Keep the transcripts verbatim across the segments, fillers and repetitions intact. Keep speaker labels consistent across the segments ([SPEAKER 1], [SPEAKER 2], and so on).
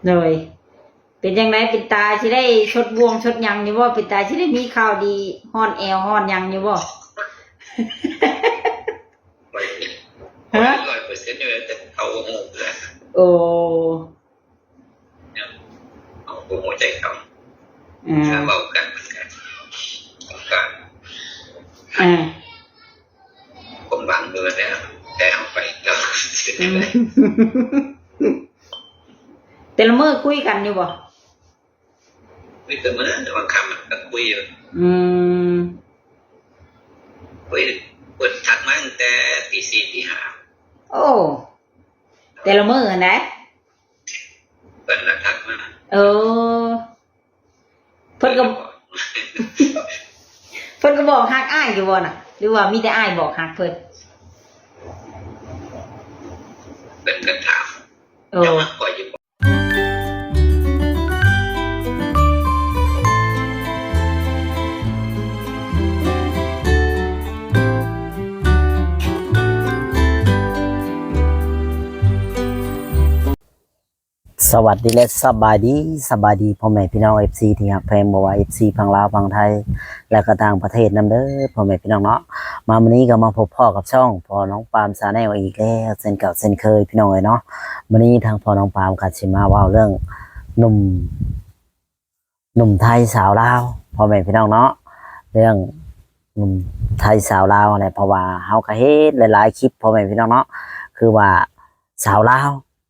[SPEAKER 1] เลยเป็นยังไงเป็นตาที่ได้ชดบวงชดยังอยู่บ่เป็นตาที่ได้มีข่าวดีฮ้อนแอวฮ้อนยังอยู่บ่
[SPEAKER 2] ฮะร้อยเปอร์เซ็นต์เลยแต่เขาโง่เลย
[SPEAKER 1] โอ้
[SPEAKER 2] เอาหัวใจเขา
[SPEAKER 1] อ่า
[SPEAKER 2] เบากันเหมือนกันการ
[SPEAKER 1] อ่า
[SPEAKER 2] ผมบางเงินแล้วแต่เอาไปแล้ว
[SPEAKER 1] แต่ละมื้อคุยกันอยู่บ่
[SPEAKER 2] คุยแต่เมื่อแต่บางคำมันก็คุยอยู่
[SPEAKER 1] อืม
[SPEAKER 2] คุยเปิดทักมาตั้งแต่ตีสี่ตีห้า
[SPEAKER 1] โอ้แต่ละมื้อนะ
[SPEAKER 2] เปิดแล้วทักมา
[SPEAKER 1] เออเพิ่นก็เพิ่นก็บอกฮักอ้ายอยู่บ่น่ะหรือว่ามีแต่อ้ายบอกฮักเพิ่น
[SPEAKER 2] เป็นกันถาม
[SPEAKER 1] เออ
[SPEAKER 2] ปล่อยอยู่
[SPEAKER 3] สวัสดีและสบายดีสบายดีพ่อแม่พี่น้อง เอฟ ซี ที่ฮักแพงบ่ว่า เอฟ ซี ฝั่งลาวฝั่งไทยและก็ต่างประเทศนำเด้อพ่อแม่พี่น้องเนาะมาวันนี้ก็มาพบพ่อกับช่องพ่อน้องปามชาแนลอีกแล้วเช่นเก่าเช่นเคยพี่น้องเอ้ยเนาะวันนี้ทางพ่อน้องปามก็สิมาเว้าเรื่องหนุ่มหนุ่มไทยสาวลาวพ่อแม่พี่น้องเนาะเรื่องหนุ่มไทยสาวลาวอะไรเพราะว่าเฮาก็เฮ็ดหลายๆคลิปพ่อแม่พี่น้องเนาะคือว่าสาวลาว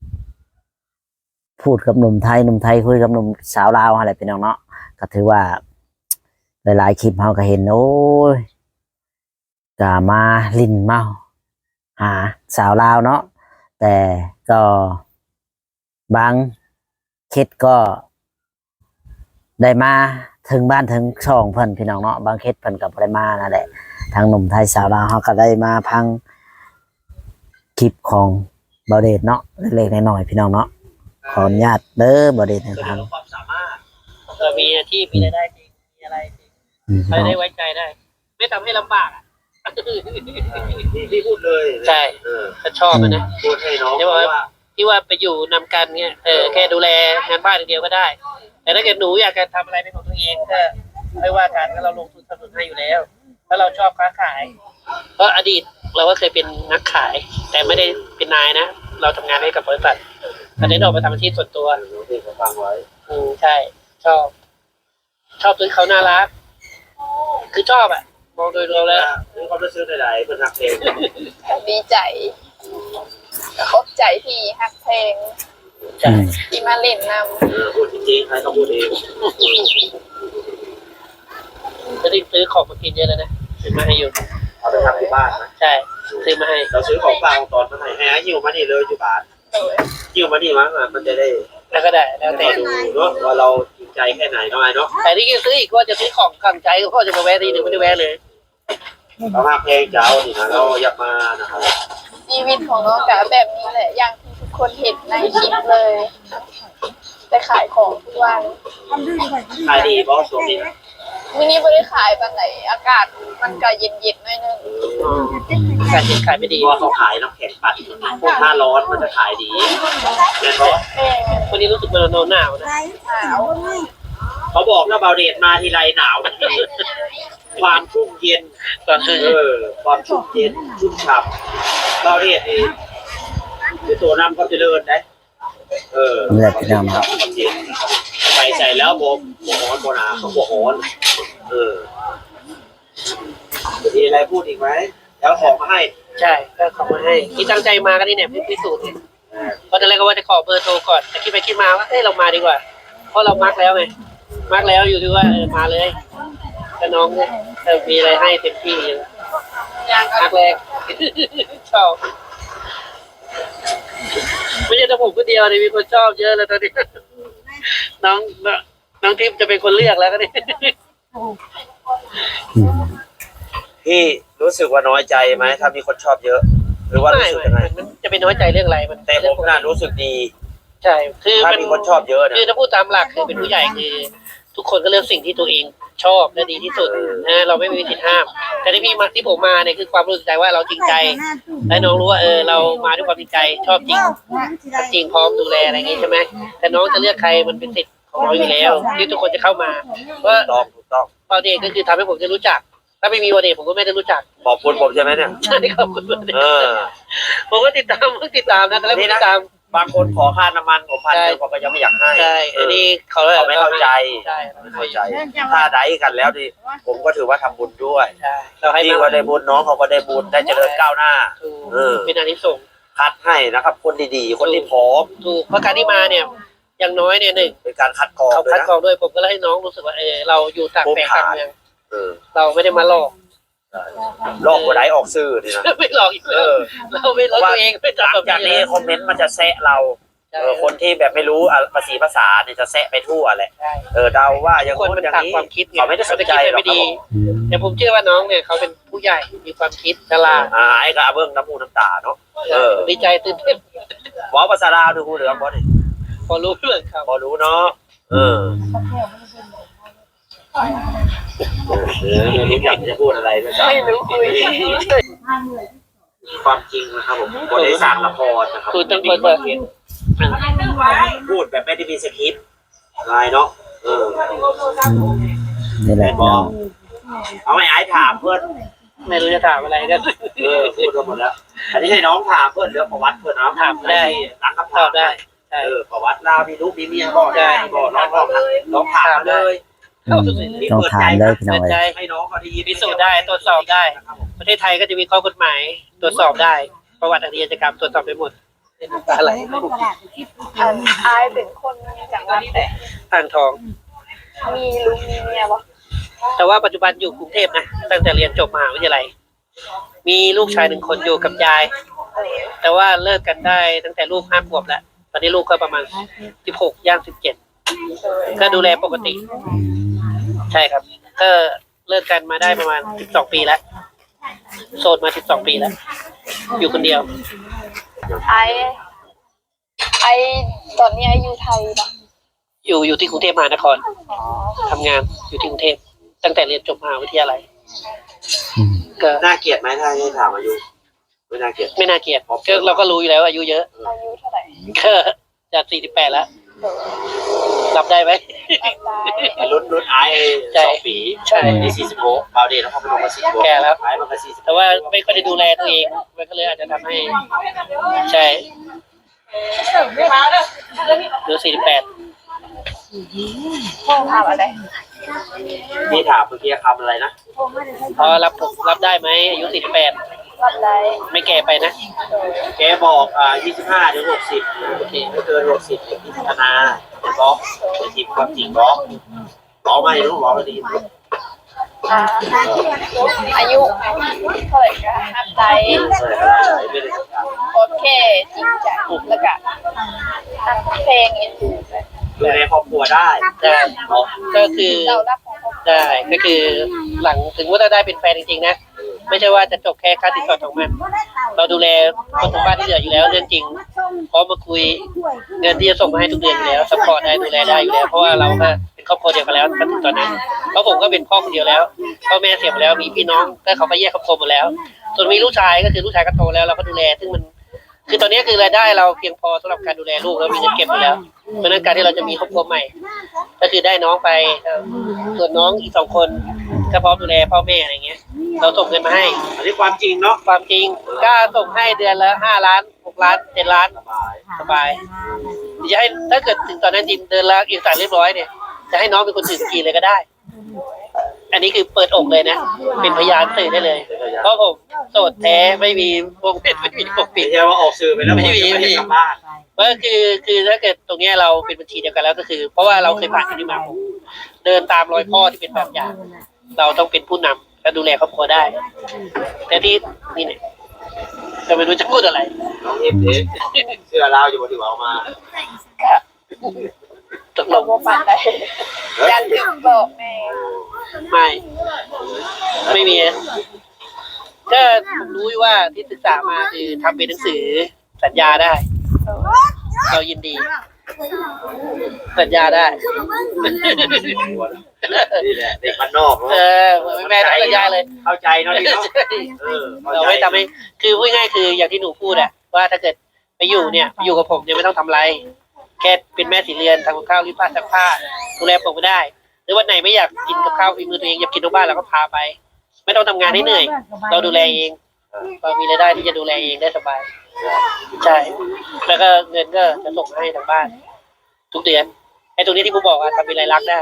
[SPEAKER 3] พูดกับหนุ่มไทยหนุ่มไทยคุยกับหนุ่มสาวลาวอะไรเป็นน้องเนาะก็ถือว่าหลายๆคลิปเราก็เห็นโอ้ยกามาลิ้นเมาหาสาวลาวเนาะแต่ก็บางเคสก็ได้มาถึงบ้านถึงช่องเพิ่นพี่น้องเนาะบางเคสเพิ่นกับได้มานั่นแหละทางหนุ่มไทยสาวลาวเขาก็ได้มาพังคลิปของเบาเดชเนาะเล็กๆน้อยๆพี่น้องเนาะขออนุญาตเด้อบริเวณทาง
[SPEAKER 4] ความสามารถเออมีอาชีพมีรายได้จริงมีอะไรจริงอะไรได้ไว้ใจได้ไม่ทำให้ลำบากอ่ะ
[SPEAKER 2] ที่พูดเลย
[SPEAKER 4] ใช่ถ้าชอบนะ
[SPEAKER 2] พูดให้น้อง
[SPEAKER 4] ที่ว่าที่ว่าไปอยู่นำกันเงี้ยเออแค่ดูแลงานบ้านอย่างเดียวก็ได้แต่ถ้าเกิดหนูอยากจะทำอะไรเป็นของตัวเองก็ไม่ว่ากันก็เราลงทุนสนับสนุนให้อยู่แล้วถ้าเราชอบค้าขายเพราะอดีตเราก็เคยเป็นนักขายแต่ไม่ได้เป็นนายนะเราทำงานให้กับบริษัทตอนนี้เราไปทำอาชีพส่วนตัว
[SPEAKER 2] ที่เขาฟังไว้
[SPEAKER 4] อืมใช่ชอบชอบซื้อเขาน่ารักคือชอบอ่ะมองโดยรวมแล้ว
[SPEAKER 2] มีความรู้สึกใดๆเป็นนักเพลง
[SPEAKER 5] ดีใจขอบใจที่ฮักเพลงที่มาเล่นน
[SPEAKER 2] ำพูดจริงๆใครเขาพูดเอง
[SPEAKER 4] จะได้ซื้อของมากินเยอะเลยนะซื้อมาให้อยู่
[SPEAKER 2] เอาไปทำที่บ้านนะ
[SPEAKER 4] ใช่ซื้อมาให้
[SPEAKER 2] เราซื้อของฝากตอนมาให้ให้หิ้วมานี่เลยอยู่บ้านหิ้วมานี่มั้งมันจะได้
[SPEAKER 4] แล้วก็ได้แล้วแต่
[SPEAKER 2] ดูเนาะว่าเราจริงใจแค่ไหนน้อยเนาะ
[SPEAKER 4] แต่ที่ซื้ออีกว่าจะซื้อของขังใจก็จะมาแวะทีหนึ่งไม่ได้แวะเลย
[SPEAKER 2] เราหักเพลงเจ้านี่นะเราอยากมานะครับ
[SPEAKER 5] ชีวิตของน้องจ๋าแบบนี้แหละอย่างที่ทุกคนเห็นในคลิปเลยได้ขายของทุกวัน
[SPEAKER 2] ขายดีบอสตัวนี้
[SPEAKER 5] มินิไม่ได้ขายปันไหนอากาศมันก็เย็นๆหน่อยนึง
[SPEAKER 4] อากาศเย็นขายไม่ดี
[SPEAKER 2] ว่าเขาขายน้ำแข็งปั่นถ้าร้อนมันจะขายดีเห็นไหม
[SPEAKER 4] วันนี้รู้สึกมันหนาวนะ
[SPEAKER 5] หนาว
[SPEAKER 2] เขาบอกว่าเบาเดชมาทีไรหนาวความชุ่มเย็นเออความชุ่มเย็นชุ่มฉ่ำเบาเดชนี่คือตัวน้ำเขาจะเลิศได้เออ
[SPEAKER 3] เลือดพี่น้องครับ
[SPEAKER 2] ไปใส่แล้วโบโบฮอนโบนาเขาโบฮอนเออมีอะไรพูดอีกไหมแล้วของมาให้
[SPEAKER 4] ใช่ก็ของมาให้ที่ตั้งใจมากันนี่เนี่ยพิสูจน์เพราะตอนแรกก็ว่าจะขอเบอร์โทรก่อนแต่คิดไปคิดมาว่าเอ้ยเรามาดีกว่าเพราะเรามาร์กแล้วไงมาร์กแล้วอยู่ที่ว่าเออมาเลยแต่น้องเนี่ยเออมีอะไรให้เต็มที่เลยมาร์กแรกชอบไม่ใช่แต่ผมคนเดียวเลยมีคนชอบเยอะเลยตอนนี้น้องน้องทิพย์จะเป็นคนเลือกแล้วก็นี่
[SPEAKER 2] พี่รู้สึกว่าน้อยใจไหมถ้ามีคนชอบเยอะหรือว่ารู้สึกยังไง
[SPEAKER 4] มันจะเป็นน้อยใจเรื่องอะไรมัน
[SPEAKER 2] แต่ผมน่ารู้สึกดี
[SPEAKER 4] ใช่คือ
[SPEAKER 2] ถ้ามีคนชอบเยอะ
[SPEAKER 4] คือถ้าพูดตามหลักคือเป็นผู้ใหญ่คือทุกคนก็เลือกสิ่งที่ตัวเองชอบและดีที่สุดนะเราไม่มีสิทธิ์ห้าม แต่ที่พี่มาที่ผมมาเนี่ยคือความรู้สึกใจว่าเราจริงใจและน้องรู้ว่าเออเรามาด้วยความจริงใจชอบจริงจริงพร้อมดูแลอะไรอย่างงี้ใช่ไหมแต่น้องจะเลือกใครมันเป็นสิทธิ์ของน้องอยู่แล้วที่ทุกคนจะเข้ามาเพราะ
[SPEAKER 2] ต้องถูกต้อง
[SPEAKER 4] วอเดย์ก็คือทำให้ผมได้รู้จัก ถ้าไม่มีวอเดย์ผมก็ไม่ได้รู้จัก
[SPEAKER 2] ขอบคุณผมใช่ไหมเนี่ย
[SPEAKER 4] ใช่ขอบคุณวอเด
[SPEAKER 2] เอ
[SPEAKER 4] ย์
[SPEAKER 2] อ
[SPEAKER 4] ผมก็ติดตามผมติดตามนะแต่แล้วผมติดตาม
[SPEAKER 2] บางคนขอค่าน้ำมันผมพัน
[SPEAKER 4] ใช่
[SPEAKER 2] เดียวผมก็ยังไม่อยากให้
[SPEAKER 4] ใช่อันนี้เขา
[SPEAKER 2] เขาไม่เข้าใจ
[SPEAKER 4] ใช่
[SPEAKER 2] ไม่เข้าใจ ถ้าได้กันแล้วดิผมก็ถือว่าทำบุญด้วย
[SPEAKER 4] ใช่เราให้
[SPEAKER 2] พี่
[SPEAKER 4] มา
[SPEAKER 2] ก็ได้บุญน้องเขาก็ได้บุญได้เจริญก้าวหน้า
[SPEAKER 4] ถูก
[SPEAKER 2] เออ
[SPEAKER 4] เป็นอานิสงส์
[SPEAKER 2] คัดให้นะครับ คนดีๆ คนที่พร้อม
[SPEAKER 4] ถูกเพราะการที่มาเนี่ยอย่างน้อยเนี่ยหนึ่ง
[SPEAKER 2] เป็นการคัดกรอง
[SPEAKER 4] เขา
[SPEAKER 2] ด้วย
[SPEAKER 4] คัด
[SPEAKER 2] นะ
[SPEAKER 4] กรองด้วยผมก็เลยให้น้องรู้สึกว่าเออเราอยู่ต่างแปลงต่างเมือง
[SPEAKER 2] เออ
[SPEAKER 4] เราไม่ได้มาหลอก
[SPEAKER 2] ลอกหัวไหนออกซื่อนี่นะ
[SPEAKER 4] ไม่หลอกอยู่
[SPEAKER 2] เอ
[SPEAKER 4] แล้ว
[SPEAKER 2] อ
[SPEAKER 4] เราไม่หลอกตัวเองไม่
[SPEAKER 2] หลั
[SPEAKER 4] ทำ
[SPEAKER 2] ง
[SPEAKER 4] แบบ
[SPEAKER 2] จากนี้
[SPEAKER 4] นี้
[SPEAKER 2] คอมเมนต์มันจะแซะเรา
[SPEAKER 4] ใช่
[SPEAKER 2] เออคนที่แบบไม่รู้อ่ะภาษีภาษาเนี่ยจะแซะไปทั่วแหละ
[SPEAKER 4] ใช่
[SPEAKER 2] เออเดาว่าอย่าง
[SPEAKER 4] คน
[SPEAKER 2] โน้
[SPEAKER 4] มัน น
[SPEAKER 2] อย่าง
[SPEAKER 4] ต่าง
[SPEAKER 2] นี้
[SPEAKER 4] ความคิด
[SPEAKER 2] เขาไม่ได้สนใจหรอก
[SPEAKER 4] ไม่
[SPEAKER 2] ครับ
[SPEAKER 4] ดี
[SPEAKER 2] ผม
[SPEAKER 4] แต่ผมเชื่อว่าน้องเนี่ยเขาเป็นผู้ใหญ่มีความคิดฉลาด
[SPEAKER 2] อ่าไอ้กระเบื้องน้ำมูกน้ำตาเนาะเออ
[SPEAKER 4] ดีใจตื่นเต้น
[SPEAKER 2] หมอภาษาลาวดูหูเหลืองบอสนี่
[SPEAKER 4] พอรู้เรื่องเขา
[SPEAKER 2] พอรู้เนาะเออเออไม่รู้อยากจะพูดอะไรด้วยกัน
[SPEAKER 5] ไม่รู้คุย
[SPEAKER 2] ความจริงนะครับผมบริษัทละครนะครับ
[SPEAKER 4] คือต้องเปิดเปิด
[SPEAKER 2] พูดแบบไม่ได้มีสคริปต์อะไรเนาะเออ
[SPEAKER 3] นี่แหละพี่น้อง
[SPEAKER 2] เอาไอ้ไอ้ถามเพื่อน
[SPEAKER 4] ไม่รู้จะถามอะไรกัน
[SPEAKER 2] เออพูดกันหมดแล้ว อันนี้ให้น้องถามเพื่อนเรื่องประวัติเพื่อนนะ
[SPEAKER 4] ถามได้
[SPEAKER 2] หลังคำ
[SPEAKER 4] ต
[SPEAKER 2] ถา
[SPEAKER 4] อ
[SPEAKER 2] ม
[SPEAKER 4] บได้ใช่
[SPEAKER 2] เออประวัติลาวมีลูกมีเมียบ่ได้บ่น้องลองน้องถามเลย
[SPEAKER 3] อืมต้องถามเลยพี่น้อง
[SPEAKER 4] เปิดใจ
[SPEAKER 3] เอ้ย
[SPEAKER 2] ให้น้องเขาได้ยิน
[SPEAKER 4] พิสูจน์ได้ตรวจสอบได้ ประเทศไทยก็จะมีข้อกฎหมายตรวจสอบได้ ประวัติอาชญากรรมตรวจสอบไปหมดอะไร
[SPEAKER 5] อันอายเป็นคนจังหวัดแต่
[SPEAKER 4] อ่างทอง
[SPEAKER 5] มีลุงมีเมียบ่
[SPEAKER 4] แต่ว่าปัจจุบันอยู่กรุงเทพนะตั้งแต่เรียนจบมหาวิทยาลัย มีลูกชายหนึ่งคนอยู่กับยาย
[SPEAKER 5] เออ
[SPEAKER 4] แต่ว่าเลิกกันได้ตั้งแต่ลูกห้าขวบแล้ว ตอนนี้ลูกก็ประมาณสิบหกย่างสิบเจ็ด
[SPEAKER 5] เออ
[SPEAKER 4] ก็ดูแลปกติ
[SPEAKER 3] อืม
[SPEAKER 4] ใช่ครับก็เลิกกันมาได้ประมาณสิบสองปีแล้วโสดมาสิบสองปีแล้ว อยู่คนเดียว
[SPEAKER 5] ไอไอตอนนี้ไออยู่ไทยปะ
[SPEAKER 4] อยู่อยู่ที่กรุงเทพมหานคร
[SPEAKER 5] อ๋อ
[SPEAKER 4] ทำงานอยู่ที่กรุงเทพตั้งแต่เรียนจบมหาวิทยาลัย
[SPEAKER 3] อืม
[SPEAKER 4] ก็
[SPEAKER 2] น่าเกลียดไหมถ้าให้ถามอายุไม่น่าเกลียด
[SPEAKER 4] ไม่น่าเกลียดก็เราก็รู้อยู่แล้วว่าอายุเยอะ
[SPEAKER 5] อายุเท่าไหร่
[SPEAKER 4] ก็จากสี่สิบแปดแล้ว
[SPEAKER 5] เออ
[SPEAKER 4] รับได้ไหม
[SPEAKER 5] รับได้
[SPEAKER 2] รุ่นรุ่นไอ้
[SPEAKER 4] ใช่
[SPEAKER 2] สองปี
[SPEAKER 4] ใช่
[SPEAKER 2] นี่สี่สิบหกบาวเดนเขาเป็นลงมาสี่สิบหก
[SPEAKER 4] แก่แล้ว
[SPEAKER 2] ไอ้มันก็สี่สิบ
[SPEAKER 4] แต่ว่าไม่ค่อยได้ดูแลตัวเองมันก็เลยอาจจะทำให้ ใช่หรือสี่สิบแปด
[SPEAKER 5] พ่อถามอะไร
[SPEAKER 2] นี่ถามเมื่อกี้คำอะไรนะ
[SPEAKER 4] พอรับรับได้ไหมอายุสี่สิบแปด
[SPEAKER 5] รับได้
[SPEAKER 4] ไม่แก่ไปนะ
[SPEAKER 5] เออ
[SPEAKER 2] แกบอกอ่ายี่สิบห้าถึงหกสิบโอเคไม่เกินหกสิบเนี่ยพิจารณาเป็นบล็อกเป็นทีมความจริงบล็อกบล็อกไม่รู้บล็อกไม่ดี
[SPEAKER 5] อ่าอายุเท่าไหร่ก็รับได้
[SPEAKER 2] เออไม่ได้สำคัญ
[SPEAKER 5] โอเคจริงจังแล้วก็อัดเพลงเอ็นดูไป
[SPEAKER 2] ดูในครอบครัวได้
[SPEAKER 4] ได้ก็คือ
[SPEAKER 5] เรารับของเขา
[SPEAKER 4] ได้ก็คือหลังถึงว่าเราได้เป็นแฟนจริงๆนะไม่ใช่ว่าจะจบแค่ค่าติดต่อของมัน เราดูแลคนทั้งบ้านที่เหลืออยู่แล้วเรื่องจริงพร้อมมาคุยเงินที่จะส่งมาให้ทุกเดือนอยู่แล้วซัพพอร์ตได้ดูแลได้อยู่แล้วเพราะว่าเราก็เป็นครอบครัวเดียวกันแล้วจนถึงตอนนั้นเพราะผมก็เป็นพ่อคนเดียวแล้วพ่อแม่เสียไปแล้วมีพี่น้องก็เขาก็แยกครอบครัวหมดแล้ว ส่วนมีลูกชายก็คือลูกชายก็โตแล้วเราก็ดูแลซึ่งมันคือตอนนี้คือรายได้เราเพียงพอสำหรับการดูแลลูกแล้วมีเงินเก็บอยู่แล้วเพราะฉะนั้นการที่เราจะมีครอบครัวใหม่ ก็คือได้น้องไปเอ่อส่วนน้องอีกสองคนก็พร้อมดูแลพ่อแม่อะไรเงี้ย เราส่งเงินมาให้
[SPEAKER 2] อันนี้ความจริงเนาะ
[SPEAKER 4] ความจริงกล้าส่งให้เดือนละห้าล้านหกล้านเจ็ดล้าน
[SPEAKER 2] สบาย
[SPEAKER 4] สบายจะให้ถ้าเกิดถึงตอนนั้นจริงเดือนละเอกสารเรียบร้อยเนี่ยจะให้น้องเป็นคนถือสกีเลยก็ได้ อันนี้คือเปิดอกเลยนะเป็นพยานสื่อได้เลย เพราะผมโสดแท้ไม่มีวงเป็นไม่มีปกปิ
[SPEAKER 2] ไม่
[SPEAKER 4] ด
[SPEAKER 2] ใช่ว่าออกสื่อไปแล้ว
[SPEAKER 4] ไม่มี
[SPEAKER 2] ไม่
[SPEAKER 4] ไม่มี
[SPEAKER 2] ได้กลับบ้าน
[SPEAKER 4] ก็คือคือถ้าเกิดตรงเนี้ยเราเป็นบัญชีเดียวกันแล้วก็คือ เพราะว่าเราเคยผ่านที่นี่มาผมเดินตามรอยพ่อที่เป็นแบบอย่าง เราต้องเป็นผู้นำและดูแลครอบครัวได้ แต่ที่นี่เนี่ยก็ไม่รู้จะพูดอะไร
[SPEAKER 2] น้องเอฟเด็กเสื้อลาวอยู่บนที่เอามา
[SPEAKER 4] ตกล
[SPEAKER 5] เรา
[SPEAKER 4] ง
[SPEAKER 5] โมปันได้ยันถึงบอกแม่
[SPEAKER 4] ไม่ ไม่มีก็ผมรู้ว่าที่ศึกษามาคือทำเป็นหนังสือสัญญาได้
[SPEAKER 5] เออ
[SPEAKER 4] เรายินดีสัญญาได้
[SPEAKER 2] นี่แหละเด็กบ้านนอก
[SPEAKER 4] เออแม่ทำสัญญาเลย
[SPEAKER 2] เข้าใจเนาะพี่เนาะเออ
[SPEAKER 4] เราไม่ทำให้คือพูดง่ายๆคืออย่างที่หนูพูดอะว่าถ้าเกิดไปอยู่เนี่ยไปอยู่กับผมเนี่ยไม่ต้องทำอะไร แค่เป็นแม่สีเรือนทำกับข้าวรีดผ้าซักผ้าดูแลผมก็ได้ หรือวันไหนไม่อยากกินกับข้าวฝีมือตัวเองอยากกินนอกบ้านเราก็พาไป ไม่ต้องทำงานให้เหนื่อย เราดูแลเองเรามีรายได้ที่จะดูแลเองได้สบายใช่แล้วก็เงินก็จะส่งให้ทางบ้าน ทุกเดือนไอ้ตรงนี้ที่ผมบอกว่าทำเป็นรายลักษณ์ได้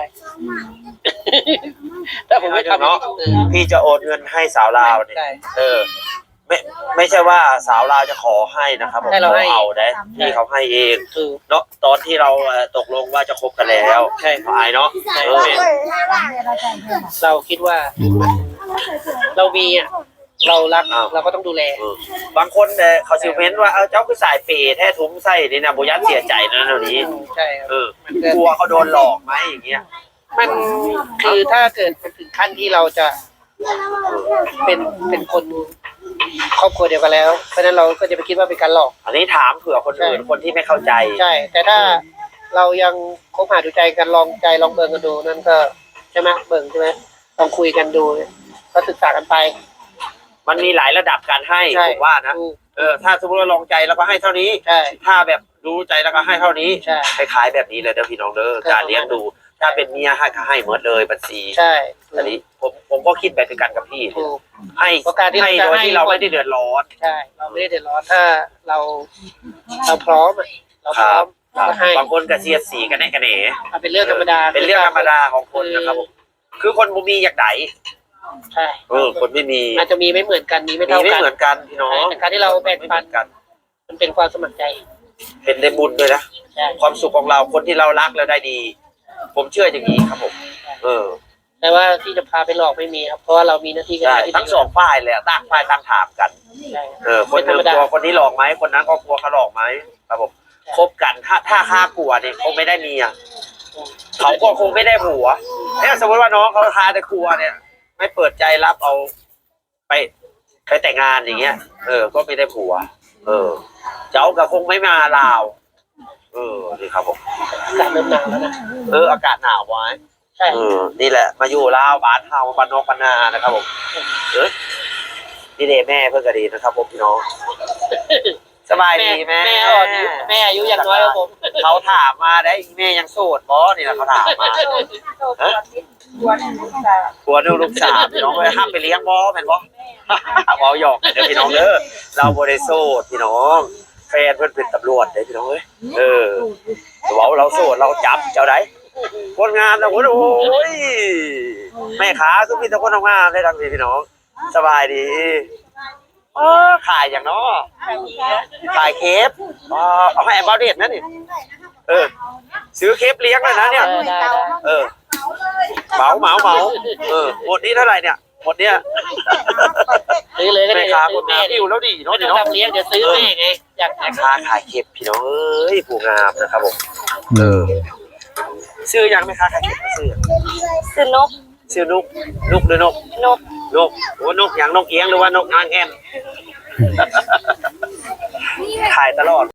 [SPEAKER 4] ถ้าผมไม่ทำ
[SPEAKER 2] เนาะพี่จะโอนเงินให้สาวลาวเนี่ย
[SPEAKER 4] ใช่
[SPEAKER 2] เออ ไม่ไม่ใช่ว่าสาวลาวจะขอให้นะครับผม
[SPEAKER 4] ให้เราให้
[SPEAKER 2] เอาได้พี่เขาให้เอง
[SPEAKER 4] คือ
[SPEAKER 2] เนาะตอนที่เราเอ่อตกลงว่าจะคบกันแล้ว
[SPEAKER 4] ใช่
[SPEAKER 2] หายเนาะเออ
[SPEAKER 4] เราคิดว่าเรามีอ่ะเรารักเราก็ต้องดูแล
[SPEAKER 2] เออบางคนเนี่ยเขาซิเมนต์ว่าเออเจ้าคือสายเปย์แท้ทุ้มไส้นี่นะโบยันเสียใจนะเดี๋ยวนี้
[SPEAKER 4] ใช่ครับ
[SPEAKER 2] เออกลัวเขาโดนหลอกไหมอย่างเงี้ย
[SPEAKER 4] มันคือถ้าเกิดมันถึงขั้นที่เราจะเป็นเป็นคนครอบครัวเดียวกันแล้ว เพราะฉะนั้นเราก็จะไปคิดว่าเป็นการหลอก
[SPEAKER 2] อันนี้ถามเผื่อคนอื่นคนที่ไม่เข้าใจ
[SPEAKER 4] ใช่ แต่ถ้าเรายังคบหาดูใจกันลองใจลองเบิ่งกันดูนั่นก็ใช่ไหมเบิ่งใช่ไหมลองคุยกันดูก็ศึกษากันไป
[SPEAKER 2] มันมีหลายระดับการให้
[SPEAKER 4] ใช่
[SPEAKER 2] ผมว่านะเออถ้าสมมติว่าลองใจแล้วก็ให้เท่านี้
[SPEAKER 4] ใช่
[SPEAKER 2] ถ้าแบบรู้ใจแล้วก็ให้เท่านี้
[SPEAKER 4] ใช่
[SPEAKER 2] ไปขายแบบนี้เลยเด้อพี่น้องเด้อการเลี้ยงดู ถ้าเป็นเมียให้ก็ให้หมดเลยบัญชี
[SPEAKER 4] ใช่
[SPEAKER 2] อันนี้ผมผมก็คิดแบบเดียวกันกับพี่
[SPEAKER 4] ถูก
[SPEAKER 2] ให้
[SPEAKER 4] เพราะการที่
[SPEAKER 2] ให้
[SPEAKER 4] เรา
[SPEAKER 2] โด
[SPEAKER 4] จะ
[SPEAKER 2] ย
[SPEAKER 4] ให้
[SPEAKER 2] ที่เราไม่ได้เดือดร้อน
[SPEAKER 4] ใช่ เราไม่ได้เดือดร้อนถ้าเราเราพร้อมอะเราพร้อม
[SPEAKER 2] ครับ
[SPEAKER 4] ก็ให้
[SPEAKER 2] บางคนก็เสียดสีกันแน่กันแหน
[SPEAKER 4] อ่ะเป็นเรื่องธรรมดา
[SPEAKER 2] เป็นเรื่องธรรมดาของคนนะครับผมคือคนบ่มีอยากไหน
[SPEAKER 4] ใช่
[SPEAKER 2] เออคนไม่มี
[SPEAKER 4] อาจจะมีไม่เหมือนกันมีไม่
[SPEAKER 2] มี
[SPEAKER 4] เท่า
[SPEAKER 2] ไม่
[SPEAKER 4] กัน
[SPEAKER 2] เหมือนกันพี่น้อง
[SPEAKER 4] แต่การที่เราแบ่ง
[SPEAKER 2] ไม่เห
[SPEAKER 4] ปั
[SPEAKER 2] มื
[SPEAKER 4] น
[SPEAKER 2] อนกัน
[SPEAKER 4] มันเป็นความสมัครใจ
[SPEAKER 2] เป็นได้บุญด้วยนะ
[SPEAKER 4] ใช่
[SPEAKER 2] ความสุขของเราคนที่เรารักแล้วได้ดี ผมเชื่ออย่างนี้ครับผม เออ
[SPEAKER 4] แต่ว่าที่จะพาไปหลอกไม่มีครับเพราะว่าเรามีหน้าที่การ
[SPEAKER 2] ใช่
[SPEAKER 4] งานที่
[SPEAKER 2] ทั้งสองฝ่ายเลยอะต่างฝ่ายต่างถามกัน
[SPEAKER 4] ใช่
[SPEAKER 2] เออ คนหนึงกลัวคนนี้หลอกไหมคนนั้นก็กลัวเขาหลอกไหมครับผมคบกันถ้าถ้าค่ากลัวเนี่ยคงไม่ได้เมียเขาก็คงไม่ได้ผัวเนี่ยสมมติว่าน้องเขาทาแต่กลัวเนี่ย ไม่เปิดใจรับเอาไปไปแต่งงานอย่างเงี้ย เออ ก็ไม่ได้ผัว เออ เจ้าก็คงไม่มาลาว เออนี่ครับผม
[SPEAKER 4] การเริ่มหนาวแล้วนะ
[SPEAKER 2] เอออากาศหนาวไว้
[SPEAKER 4] ใช่
[SPEAKER 2] เออนี่แหละ มาอยู่ลาวบ้านเฮาบ้านนอกบ้านนานะครับผมเออนี่เดแม่เพื่อนก็ดีนะครับผมพี่น้องสบายดีแม่
[SPEAKER 4] แม่อ่อนอายุแม่อายุยังน้อยกว่าผม
[SPEAKER 2] เขาถามมาได้อีแม่ยังโสดบ่นี่แหละเขาถามมาฮะผัวหนึ่งลูกสามพี่น้องไปห้ามไปเลี้ยงบ่แม่นบ่บ่หยอกเด้อพี่น้องเด้อเราบ่ได้โสดพี่น้องแฟนเพิ่นเป็นตำรวจเด้อพี่น้องเอ้ยเออเว้าเราโสดเราจับเจ้าใดคนงานนะโอ้ยแม่ขาคือมีแต่คนทำงานได้ดังนี้พี่น้องสบายดีเออขายอย่างเนาะขายเคฟอ๋อเอาให้แอมบอเดตนะนี่เออซื้อเคฟเลี้ยงเลยนะเนี่ย
[SPEAKER 4] เออได้ได้
[SPEAKER 2] เออเหมาเหมาเหมาเออหมดนี้เท่าไหร่เนี่ยหมดเนี้ย
[SPEAKER 4] ซื้อเลยก็
[SPEAKER 2] แม่
[SPEAKER 4] ได้
[SPEAKER 2] ค้าค
[SPEAKER 4] ซื้อน แม่
[SPEAKER 2] งาม
[SPEAKER 4] ดิ
[SPEAKER 2] อิ่วแล้วดีเนาะ
[SPEAKER 4] ไม่
[SPEAKER 2] ดี
[SPEAKER 4] ต้อง
[SPEAKER 2] เนาะ
[SPEAKER 4] ทำเลี้ยงเดี๋ยวซื้อแม่ไงอยาก
[SPEAKER 2] แม่ค้าขายเคฟพี่น้องเอ้ยผู้งามนะครับผมเออซื้อยังแม่ค้าขายเคฟซื้อยัง
[SPEAKER 5] คือนก
[SPEAKER 2] ชื่อนุกนุกหรือนก
[SPEAKER 5] นก
[SPEAKER 2] นกโอ้นกอย่างนกเอียงหรือว่านกนางแอ่นถ่ายตลอด